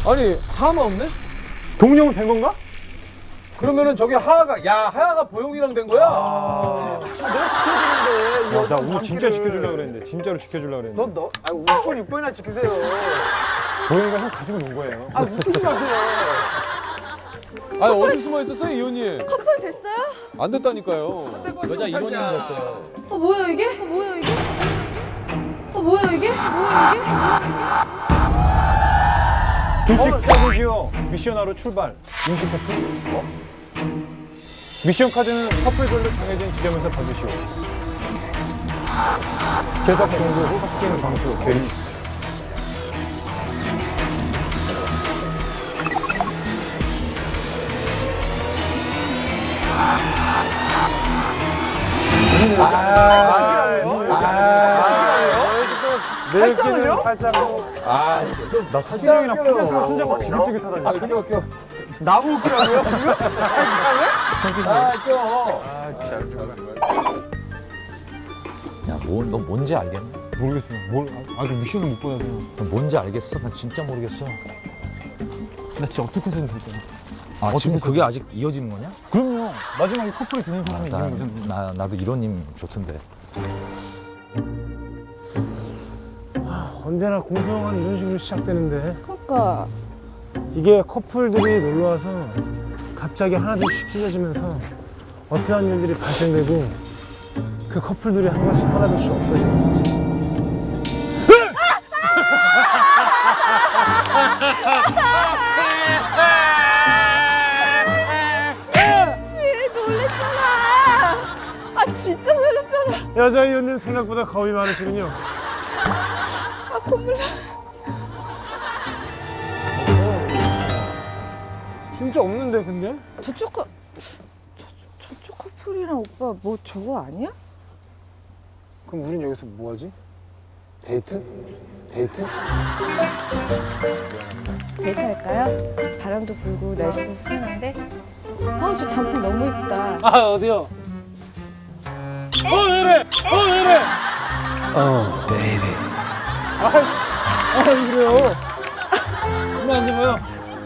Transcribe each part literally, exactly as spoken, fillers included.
아니 하하만 없네? 동룡은 된 건가? 그러면은 저기 하하가 야 하하가 보영이랑 된 거야? 아, 내가 지켜주는데. 어, 나 오늘 진짜 지켜주려고 그랬는데 진짜로 지켜주려고 그랬는데. 너, 너, 아, 오 번, 육 번이나 지키세요. 보영이가 형 가지고 논 거예요. 아, 웃기지 마세요. 아니 어디 숨어 있었어요 이 언니? 커플 됐어요? 안 됐다니까요. 여자 이번이 됐어요. 어 뭐야 이게? 어 뭐야 이게? 어 뭐야 이게? 뭐야 이게? 둘씩 카드지요. 미션하러 출발. 임시 커플. 어? 미션 카드는 커플별로 정해진 지점에서 받으시오. 제작 정보 후 확진 방수 대리. 팔짱을요? 팔짱으로. 아, 나 사진이랑 팔짱 손잡고 지긋지긋하다니. 아 껴, 껴. 나무 웃기라고요? 아, 껴. 야, 뭐, 너 뭔지 알겠네? 모르겠어요. 뭘 아직 미션을 못 받아서. 너 뭔지 알겠어? 나 진짜 모르겠어. 나 진짜 어떻게 해서든 될 거야. 아, 지금 그게 아직 이어지는 거냐? 그럼요. 마지막에 커플이 되는 사람이 나, 있는 거잖아요. 나, 나도 이런 님 좋던데. 언제나 공평한 이런 식으로 시작되는데 그러니까 이게 커플들이 놀러 와서 갑자기 하나둘씩 찢어지면서 어떠한 일들이 발생되고 그 커플들이 한 번씩 하나둘씩 없어지는 거지. 놀랬잖아. 아 진짜 놀랬잖아. 여자의 연는 생각보다 겁이 많으시군요. 아 콧물 나. 진짜 없는데 근데? 저쪽 커 저, 저쪽 커플이랑 오빠 뭐 저거 아니야? 그럼 우린 여기서 뭐하지? 데이트? 데이트? 데이트 할까요? 바람도 불고 날씨도 스산한데. 아우 저 단풍 너무 이쁘다. 아 어디요? 어 왜래? 어 왜래? 어 베이비. 아이씨 아 그래요? 얼마 안 잡아요?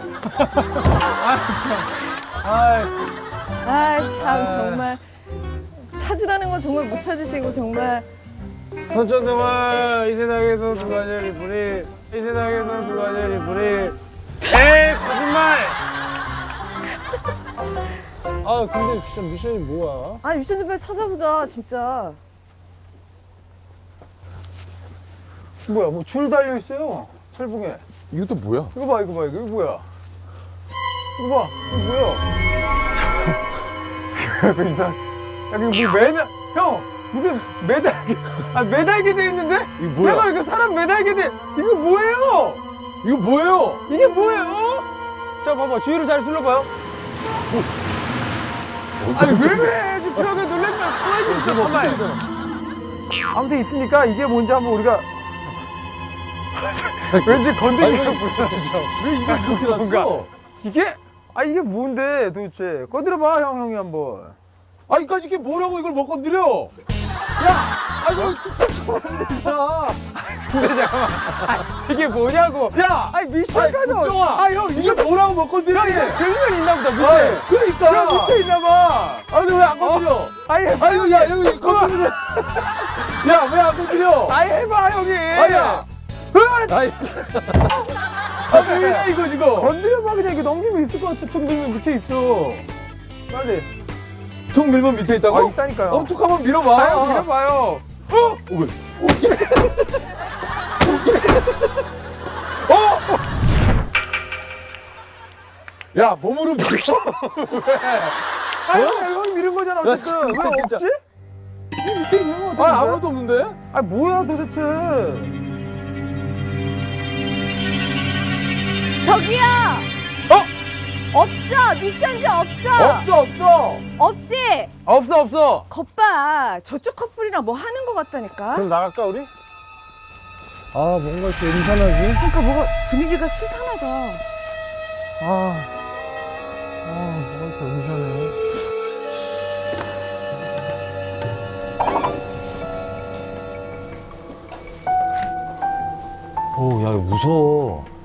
아이 아 참 정말 찾으라는 건 정말 못 찾으시고 정말. 선천 동안 이 세상에서 누가 제일 이쁘니? 이 세상에서 누가 제일 이쁘니? 에이 거짓말! 아 근데 진짜 미션이 뭐야? 아 유치원 좀 빨리 찾아보자 진짜. 뭐야, 뭐 줄 달려 있어요. 철봉에. 이것도 뭐야? 이거 봐, 이거 봐, 이거, 이거 뭐야? 이거 봐, 이거 뭐야? 그 이상. 야, 이거 뭐 매달, 형! 무슨 매달게, 아, 매달게 돼 있는데? 이거 뭐야? 내가 이거 사람 매달게 돼. 이거 뭐예요? 이거 뭐예요? 이게 뭐예요? 자, 봐봐. 주위를 잘 둘러봐요. 아니, 왜 그래? 벽에 놀랬면 또해지 잠깐만. 아무튼 있으니까 이게 뭔지 한번 우리가. 왠지 건드리기가 불편하죠. 왜 이걸 그렇게 뭔가. 놨어? 이게? 아, 이게 뭔데 도대체? 건드려봐, 형, 형이 한번. 아, 이까지 이게 뭐라고 이걸 못 건드려? 야! 아, 이거 툭툭 쳐버리면 되잖아. 근데 잠깐만. 아, 이게 뭐냐고. 야! 아니, 미션 아니, 카드. 국정아! 아, 형, 이게 이게 뭐라고 못 건드려? 야, 이거 들면 있나 보다, 밑에. 아이, 그러니까. 야, 밑에 있나 봐. 아, 근데 왜 안 건드려? 아니, 해봐. 아유, 야, 여기 건드려. 야, 왜 안 건드려? 아니, 해봐, 형이. 아니야. 아이. 아, 뭐야, 이거 지금. 건드려봐, 그냥 이게 넘기면 있을 것 같아. 툭 밀면 밑에 있어. 빨리. 툭 밀면 밑에 있다고? 아, 있다니까요. 어, 툭 한번 밀어봐. 아, 형, 밀어봐요. 어? 어, 왜? 어? 야, 몸으로 밀어. 아, 형, 형이 밀은 거잖아, 어쨌든. 왜 진짜. 없지? 이 밑에 있는 거 같은데? 아, 아무것도 없는데? 아, 뭐야, 도대체. 저기요. 어? 없죠? 미션지 없죠? 없어, 없어. 없지? 없어, 없어. 겉봐 저쪽 커플이랑 뭐 하는 거 같다니까. 그럼 나갈까 우리? 아 뭔가 이렇게 음산하지? 그러니까 뭐가 분위기가 스산하다. 아, 아 뭐가 이렇게 음산해? 오, 야, 이거 무서워.